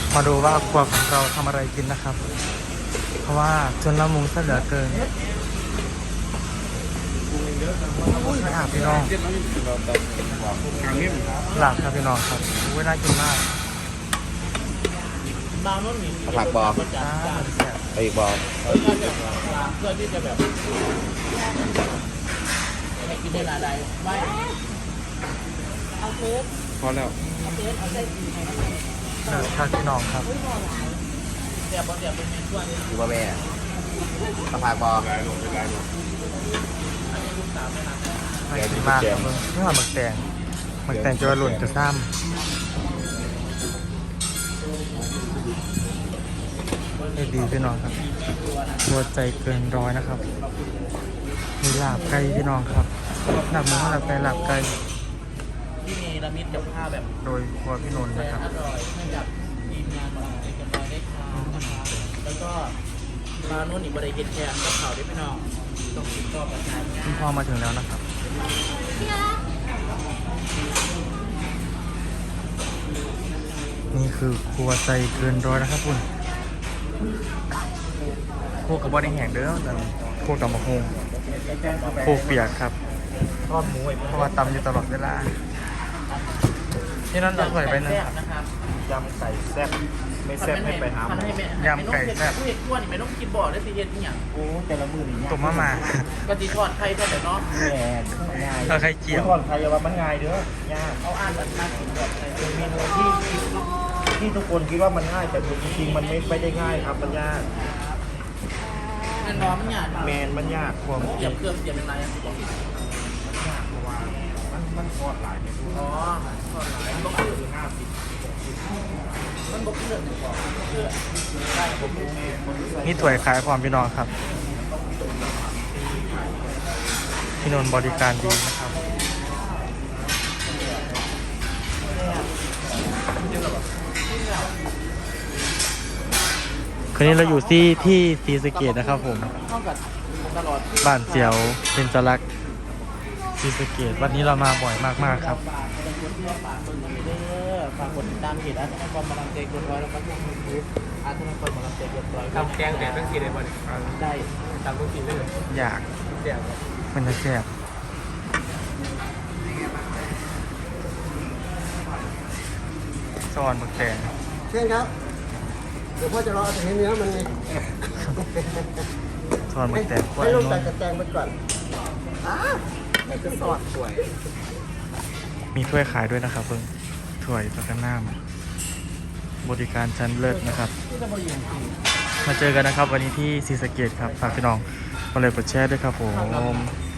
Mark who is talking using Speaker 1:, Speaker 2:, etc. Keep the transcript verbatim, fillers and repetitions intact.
Speaker 1: มาดูว่าครัวของเราทำอะไรกินนะครับ เพราะว่าจนละมุงซะเหลือเกินไม่อาบพี่น้องหลับครับพี่น้องครับอุ้ยน่ากินมาก
Speaker 2: ผักบอ
Speaker 1: จ้าแซ่บ
Speaker 2: ไปอีกบอ
Speaker 3: เพื่อที่จะแบบให้กินได้หลายๆไม่เอาเทส
Speaker 2: พอแล้ว
Speaker 3: เอาเทสเอาเส้นดีให้
Speaker 1: เลิศครับพี่น้องครับ
Speaker 3: เดี๋ยวบอเดี๋ยวเป็นเมนูอันนี้
Speaker 2: คือว่าแม่ผักบอ
Speaker 1: น่ากินมากครับมึงนี่ว่าหมึกแตงหมึกแตงจะหล่นจะซ้ำให้ดีพี่น้องครับตัวใจเกินร้อยนะครับมีลาบไก่พี่น้องครับลาบหมูลาบไก่ลาบไก่
Speaker 3: ที่มีระมิดกับข้าวแบบ
Speaker 1: โดยครัวพี่นนท์
Speaker 3: แส
Speaker 1: นะ
Speaker 3: น
Speaker 1: ครับ
Speaker 3: อร่อยให้กับทีมงานของเอกมัยได้ทานนะครับแล้วก็มาโน่นอีกบริเกตแคนก็เผาได้ไม่นอกต้องติดต่อประชาชน
Speaker 1: คุณพ่อมาถึงแล้วนะครับนี่คือครัวใจเกินร้อยนะครับคุณพวกกับบอดี้แห้งเด้อแต่พวกกับมะฮงพวกเปียกครับ
Speaker 3: ทอดหมูไอ้
Speaker 1: เพราะว่าตำอยู่ตลอดเวลาที่นั่นเราใส่ไปหนึ่งครับ
Speaker 3: นะครับ
Speaker 2: ยำไก่แซ่บไม่แซ่บให้ไปหาหมอ
Speaker 1: ยำไก่แซ่บ
Speaker 3: ผู้เห็ดขั้วนี่ไม่ต้องกินบ่อได้สิเห็ดนี่อย่าง
Speaker 2: โอ้แต่ละมือนี่
Speaker 1: ตุ่มมะม่า
Speaker 3: ก็ตีทอดไข่ทอดแต่เนาะ
Speaker 2: แม่ง่าย
Speaker 1: เอาไข่เจียว
Speaker 2: ก่อนใครจะว่ามันง่ายเด้อยาก
Speaker 3: เอาอ่านแบบน่ากินแบบอะไร
Speaker 2: เป็นเมนูที่ที่ทุกคนคิดว่ามันง่ายแต่จริงๆมันไม่ไม่ได้ง่ายครับมันยาก
Speaker 3: เงินน้อมเนี่ย
Speaker 2: แมนมันยากความ
Speaker 3: เตรียมเครื่องเตรียมอะไรอ่ะบอก
Speaker 2: ยากเพราะว่ามันมันทอดหลายเมนู
Speaker 3: อ๋อทอดหลายมันบอกคือห้าสิบมันบอกคือหนึ่งบอกคือได้ผมรู้
Speaker 1: นี่ถ้วยขายความพี่น้องครับพี่นนท์บริการดีนะครับคืนนี้เราอยู่ที่ที่ศรีสะเกษนะครับผม
Speaker 3: เท่ากับตลอด
Speaker 1: บ้านเสียวเป็นจรักษ์ศรีสะเกษวันนี้เรามาบ่อยมากๆครับ
Speaker 3: ฝากคนที่ว่าฝากคนนี้เด้อฝากกดติดตามเพจอาร์ตนครบาลังเจกดร้อยแล้วก็ช่องยูทูบอาร์ตนครบาลังเจกดร้อย
Speaker 4: ทำแกงแต่ต้องกินเลยบ่เนี่ย
Speaker 3: ได้
Speaker 4: ทำต้องกินได้เลย
Speaker 1: อยาก
Speaker 4: เสียบ
Speaker 1: มันจะแซ่บซอนหมึกแดง
Speaker 5: เช่นครับ เดี๋ยวพ่อจะรอเอาแต่เนื้อมันไง
Speaker 1: ซอนหมึกแดงกล้วย
Speaker 5: ให้ลูก
Speaker 1: น
Speaker 5: ตัด
Speaker 1: น
Speaker 5: กระแตงไปก่อนอ้าแต่จะสอดสวย
Speaker 1: มีถ้วยขายด้วยนะครับเพิ่งถ้วยประกันน้ำบริการชั้นเลิศนะครับ มาเจอกันนะครับวันนี้ที่ศรีสะเกษครับฝากพี่น้องมาเลยกดแชร์ด้วยครับผม